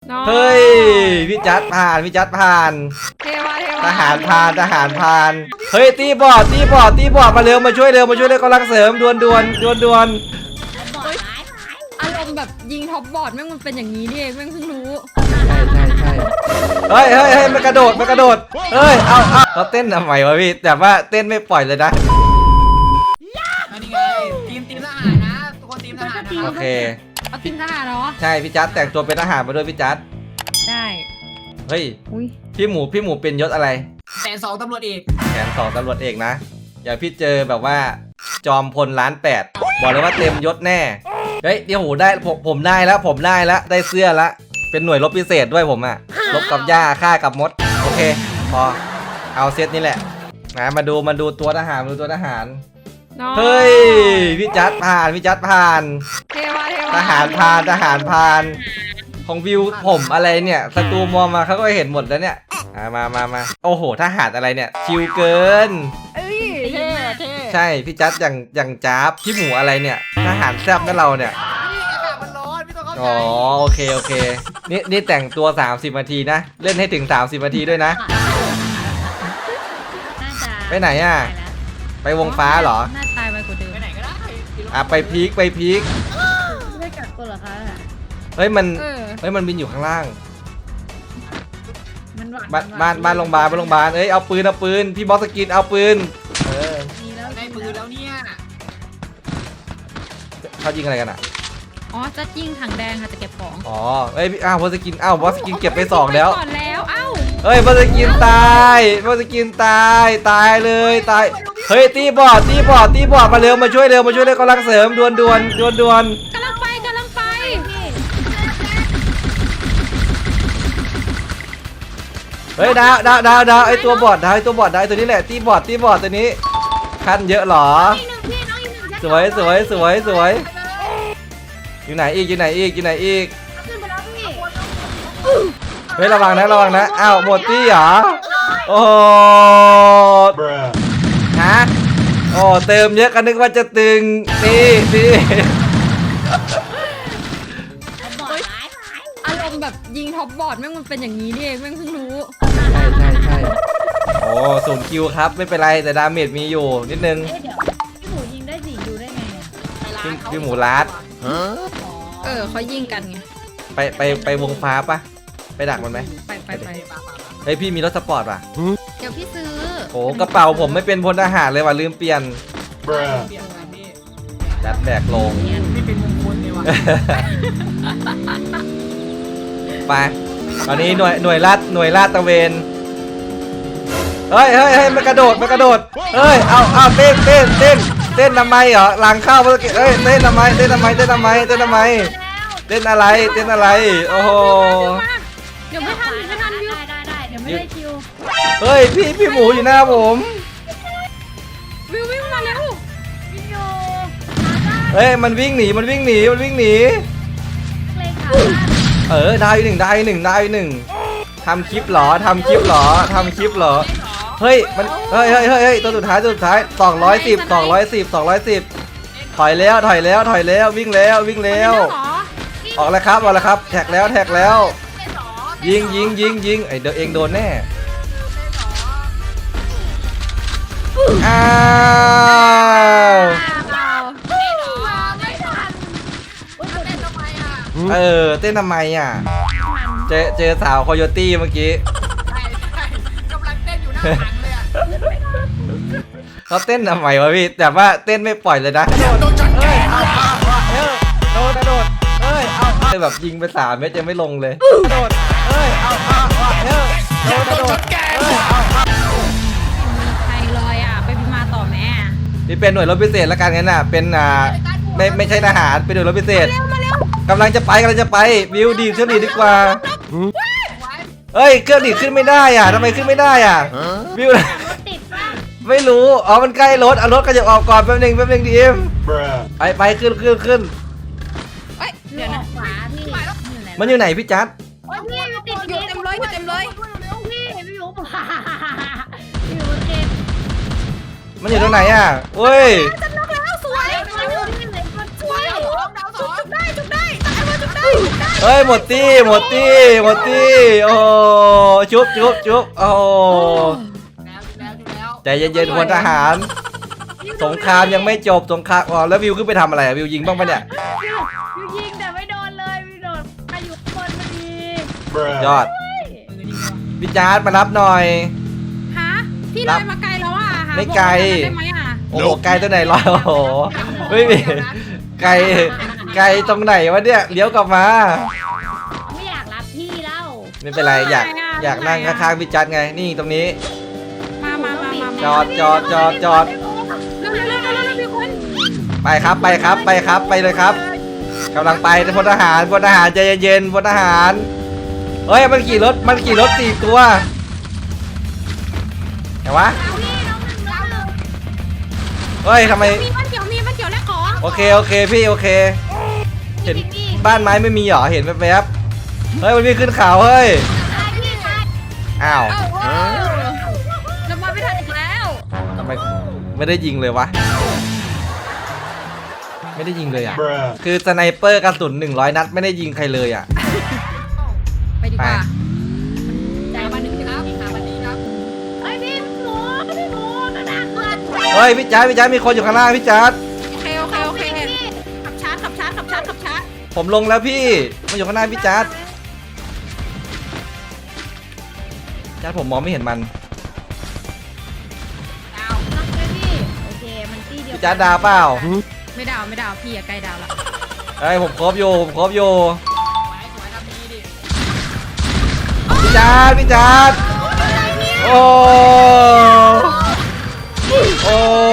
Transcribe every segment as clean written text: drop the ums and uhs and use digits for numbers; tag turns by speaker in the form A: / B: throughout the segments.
A: เฮ้ยพี่จัดผ่านพี่จัดผ่าน
B: เทวา
A: ทหารผ่านทหารผ่านเฮ้ยตีบอดมาเร็วมาช่วยเร็วกำลังเสริมด่วน
B: อารมณ์แบบยิงท็อปบอร์ดแม่งมันเป็นอย่างนี้นี่เองแม่งเพิ่งรู้
A: ใช่เฮ้ยมันกระโดดเฮ้ยเอาเต้นทำไมวะพี่แต่ว่าเต้นไม่ปล่อยเลยนะ
C: นี่ไงทีมทหารนะทุกคนทีมทหารนะ
A: โอเค
B: เอาทีมทหารเนาะ
A: ใช่พี่จัดแต่งตัวเป็นทหารมาด้วยพี่จัด
B: ได้
A: เฮ้ยพี่หมูเป็นยศอะไร
C: แสน 2ตำรวจเอก
A: แสน 2ตำรวจเอกนะอย่าพี่เจอแบบว่าจอมพล1,800,000บอกเลยว่าเต็มยศแน่เฮ้ยเดี๋ยวได้ผมได้แล้วได้เสื้อละเป็นหน่วยรบพิเศษด้วยผมอะรบกับหญ้าฆ่ากับมดโอเคพอเอาเซตนี้แหละนะมาดูตัวทหารเฮ้ยพี่จัดผ่าน
B: เทวา
A: ทหารผ่านของวิวผมอะไรเนี่ยศัตรูมองมาเขาก็เห็นหมดแล้วเนี่ยมาโอ้โหทหารอะไรเนี่ยชิวเกิน
B: เท่
A: ใช่พี่จัดอย่างจ้าบพี่หมูอะไรเนี่ยทหารแซ่บนั่นเราเนี่ยอ๋อโอเคนี่แต่งตัว30 นาทีนะเล่นให้ถึง30 นาทีด้วยนะไปไหนอ่ะไปวงฟ้าเหรอ
B: น่าตายไปกว่าเดิม
C: ไปไหนก็ได้
A: ไปพีค
B: ไม่กักตัวเหรอคะ
A: เฮ้ยมันบินอยู่ข้างล่างบ้านโรงพยาบาลเอ้ยเอาปืนพี่บอสกินเอาปืน
C: ได้ปืนแล้วเนี่ย
A: เขายิงอะไรกันอ่ะ
B: อ๋อจะยิงถังแดงค่ะจะเก็บของ
A: อ๋อเอ้ยบอสกินบอสกินเก็บไป2แล้วเฮ้ยบอสกินตายเลยเฮ้ยตีบอดมาเร็วมาช่วยเร็วกำลังเสริมด่วน
B: กำลังไป
A: เฮ้ยดาวไอตัวบอดได้ตัวนี้แหละตีบอดตัวนี้ขั้นเยอะหรอสวยอยู่ไหนอีกเฮ้ยระวังนะอ้าวหมดตี้เหรอโอ้ฮะโอ้เติมเยอะกันนึกว่าจะตึงนี่
B: อารมณ์แบบยิงท็อปบอร์ดแม่งมันเป็นอย่างนี้นี่เองแม่งเพิ่งรู้
A: ใช่โอ้0 คิวครับไม่เป็นไรแต่ดาเมจมีอยู่นิดนึง
B: พี่หมูยิงได้4 คิวได้ไง
A: พี่หมูลัด
B: เขายิงกันไง
A: ไปวงฟ้าปะไปดักมันไหม
B: ไป
A: เฮ้ยพี่มีรถสปอร์ตป่ะ
B: เดี๋ยวพี่ซื้อ
A: โอ้กระเป๋าผมไม่เป็นพลทหารเลยว่ะลืมเปลี่ยนจัดแบกลง
C: ไม่เป็นมงคลเลยว่ะ
A: ไปตอนนี้หน่วยลาดตระเวนเฮ้ยมันกระโดดเฮ้ยเอาเต้นทำไมเหรอหลังเข้าเมื่อกี้เฮ้ยเต้นทำไมเต้นอะไรโอ้โห
B: เดี๋ยวไม่ทันวิวได้เดี๋ยวไม่ได้คิว
A: เฮ้ยพี่หมูอยู่หน้าผม
B: วิวมาแล้ว
A: เฮ้ยมันวิ่งหนีดาวอีกหนึ่งทำคลิปเหรอเฮ้ยมันเฮ้ยตัวสุดท้าย210ถอยแล้ววิ่งแล้วออกแล้วครับแท็กแล้วยิงไอเดี๋ยวเองโดนแน่อ้าวเต้นทำไมอ่ะเจอสาวโคโยตี้เมื่อกี้
C: กำลังเต้นอยู่หน้าถังเลยอ่ะ
A: เขาเต้นทำไมวะพี่แต่ว่าเต้นไม่ปล่อยเลยนะโดนแบบยิงไป3 เม็ดยังไม่ลงเลยโดน
B: ใครลอยอ่ะไปพิมาต่อแม่
A: นี่เป็นหน่วยรบพิเศษแล้วกันงั้นน่ะเป็นไม่ใช่ทหารเป็นหน่วยรบพิเศษกำลังจะไปวิวดีเครื่องดีดกว่าเฮ้ยเครื่องดีขึ้นไม่ได้อ่ะทำไมขึ้นไม่ได้อ่ะวิวไม่รู้อ๋อมันใกล้รถเอารถก็จะออกก่อนแป๊บนึงดีเอ็มไปขึ้น
B: เดี๋ยวนะ
A: มันอยู่ไหนพี่จัด
B: อยู่เต็มเลยพี่
A: มันอยู่ตรงไหนอ่ะเฮ้ย
B: สวยจุดได้
A: เฮ้ยหมดตี้หมดตี้หมดตี้โอ้ชุบชุบชุบโอ้
C: แล้ว
A: ใจเย็นๆพลทหารสงครามยังไม่จบสงครามอ๋อแล้ววิวขึ้นไปทำอะไรอะวิวยิงบ้างปะเนี่ย
B: ยูยิงแต่ไม่โดนเลยวิวโดนมาอยู่ข้างบนพอดี
A: ยอดพี่จาร์ดมารับหน่อย
B: ฮะพี่เลยมาไกลแล้วอ่ะหา
A: ไม่ไกล
B: บอกได้ไหมอ่ะ
A: โอ้โหไกลตัวไหนลอยโอ้โหไม่มีไกลไกลตรงไหนวะเนี่ยเลี้ยวกลับมา
B: ไม่อยากรับพี่แล้ว
A: ไม่เป็นไรอยากนั่งข้างๆพี่จัดไงนี่ตรงนี้
B: มา
A: จอด
B: เร็วพี่คน
A: ไปครับไปครับไปครับไปเลยครับกำลังไปพลทหารใจเย็นๆพลทหารเฮ้ยมันขี่รถ4 ตัวเห็นวะเฮ้ยทำไม
B: มีบ้านเกี่ยวและของ
A: โอเคพี่โอเคเห็นบ้านไม้ไม่มีหรอเห็นแวบๆเฮ้ยมันวิ่งขึ้นเขาเฮ้ยอ้าว
B: จะมาไม่ทันอีกแล้ว
A: ทำไมไม่ได้ยิงเลยวะไม่ได้ยิงเลยอ่ะคือสไนเปอร์กระสุน100 นัดไม่ได้ยิงใครเลยอ่ะ
B: ไปดีกว่า
C: ใจมาหนึ่งครับหาวันนี้ครับ
B: ไอ้พี่หมูนะนะ
A: เฮ้ยพี่จัดมีคนอยู่ข้างหน้าพี่จัด
B: โอเคขับชาร์จ
A: ผมลงแล้วพี่มันอยู่ข้างหน้าพี่จัดผมมองไม่เห็นมัน
B: น้องพี่โอเคมันตี้เดียว
A: พี่จัดดาวเปล่า
B: ไม่ดาวพี่อะใกล้ดาวแล้ว
A: เฮ้ยผมครบอยู่
C: สวยทำดีดิ
A: พี่จัดโอ้โอ้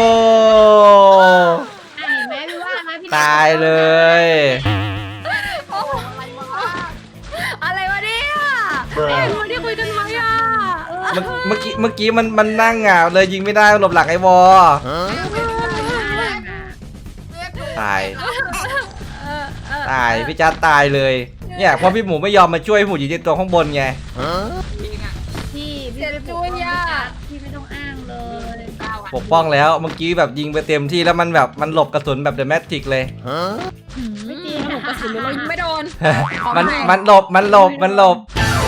B: เห็นไหมพี่ว่าไหมพี่
A: ตายเลย
B: อะไรวะเนี่ยไอ้คนที่คุยกันไว้อ่ะ
A: เมื่อกี้มันนั่งอ่ะเลยยิงไม่ได้หลบหลังไอ้วอตายพี่จัดตายเลยเนี่ยเพราะพี่หมูไม่ยอมมาช่วยพี่หมูยิงตัวข้างบนไง
B: พี่ไม่ช่วยยาพี่ไม่ต้องอ้างเลย
A: ปกป้องแล้วเมื่อกี้แบบยิงไปเต็มที่แล้วมันแบบมันหลบกระสุนแบบเดอะแมทริกเลย
B: ไม่จริงหนูกระสุนเรายิงไม่โดน
A: มันหลบ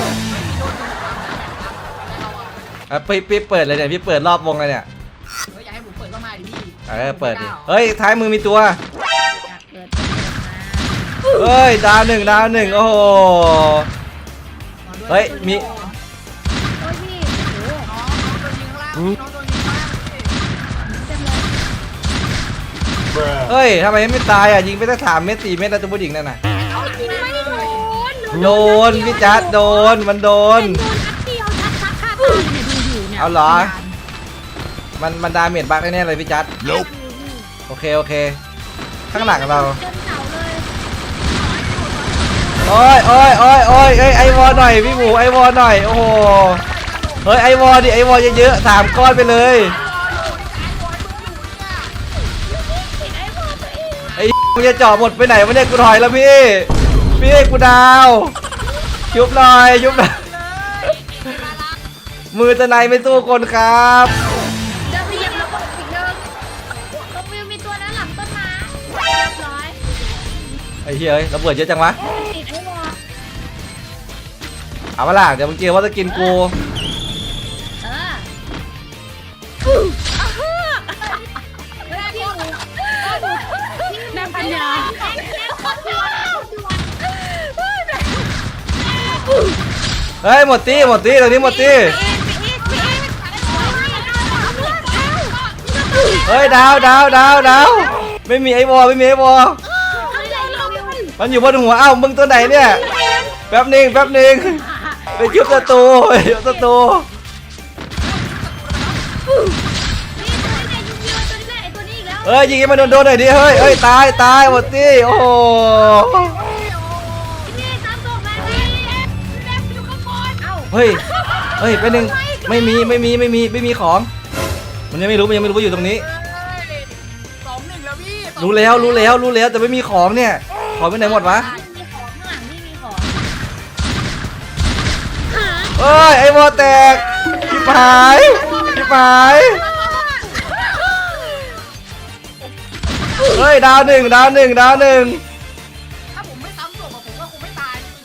A: พี่เปิดเลยเนี่ยพี่เปิดรอบวงเลยเนี่ย
C: อยากให้ผมเปิดเข้ามาดิพี่
A: เปิดดิเฮ้ยท้ายมือมีตัว
B: อยากเกิด
A: เฮ้ยดาวหนึ่งโอ้โหเฮ้ยมี
B: โอ้ยพี่โอ้โห
C: น้องโดนยิงข้างล่างน้องโดนยิงข้างล่าง
B: เต็มเลย
A: เฮ้ยทำไมไม่ตายอ่ะยิงไปตั้ง3 เม็ด 4 เม็ดแล้วตัวผู้หญิงนั่นน่ะ
B: เอาจริงไม่โดน
A: โดนพี่จัดโดนมันโดน
B: โดนนัดเดียวชัดค่ะตายเนี่ยดูอยู่เนี่ย
A: เอาเหรอ มันดาเมจบักแน่ๆเลยพี่จัดโอเคข้างหลังเรา
B: เต็มเสาเลย
A: โอ้ยไอวอหน่อยพี่หมูไอวอหน่อยโอ้โหเฮ้ยไอวอดิไอวอเยอะๆ3 ก้อนไปเลยไอ้มึงจะเจาะหมดไปไหนวะเนี่ยกูถอยแล้วพี่กูดาวยุบหน่อยมือตะไนไม่สู้คนครับ
B: เดินไปเหยียบระเบิดอีกเดิมตรงวิวมีตัวนั้นหลังต้นไม้เรียบร้อย
A: ไอ้เฮ้ยระเบิดเยอะจังวะ
B: ติดไอ้วอ
A: เอามาล่ะเดี๋ยวมึงเจอว่าจะกินกู
B: เวลาที่หนูนำปัญญา
A: เฮ้ยหมดตี้ตรงนี้หมดตี้เฮ้ยดาวไม่มีไอวอมันอยู่บนหัวเอ้ามึงตัวไหนเนี่ยแป๊บหนึงไปชุบศัตรูเฮ้ยยิงให้มันโดนหน่อยดิเฮ้ยตายหมดตี้โอ้โหเฮ้ยแป๊บนึงไม่มีของมันยังไม่รู้ว่าอยู่ตรงนี้
C: 2-1แล้วพี่
A: รู้แล้วแต่ไม่มีของเนี่ยของไปไหนหมดวะ
B: มีของข้างหลังนี่มีของ
A: เอ้ยไอ้วอแตกชิบหายเฮ้ยดาวหนึ่ง
C: ถ้าผมไม่ซ้ำศพผมก็คงไม่ตาย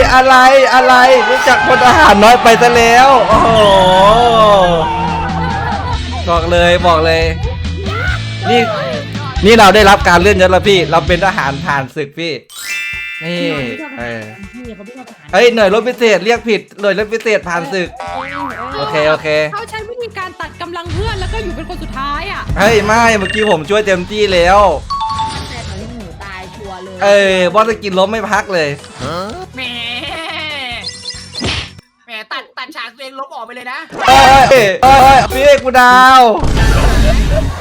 A: อะไรรู้จักพลทหารน้อยไปซะแล้วโอ้โหบอกเลยนี่เราได้รับการเลื่อนยศแล้วพี่เราเป็นทหารผ่านศึกพี่นี่
B: เขาไม่ชอบทหาร
A: เฮ้ยหน่วยรบพิเศษเรียกผิดหน่วยรบพิเศษผ่านศึกโอเค
D: เขาใช้วิธีการตัดกำลังเพื่อนแล้วก็อยู่เป็นคนสุดท้ายอ่ะ
A: เฮ้ยไม่เมื่อกี้ผมช่วยเต็มที่แล้ว
B: แต่ตอนนี้หนูตายชัวร์เลย
A: บอสจะกินล้มไม่พักเลย
C: แหมตัดฉากตัวเองลบออกไปเลยนะ
A: เอ้ยพี่กูดาว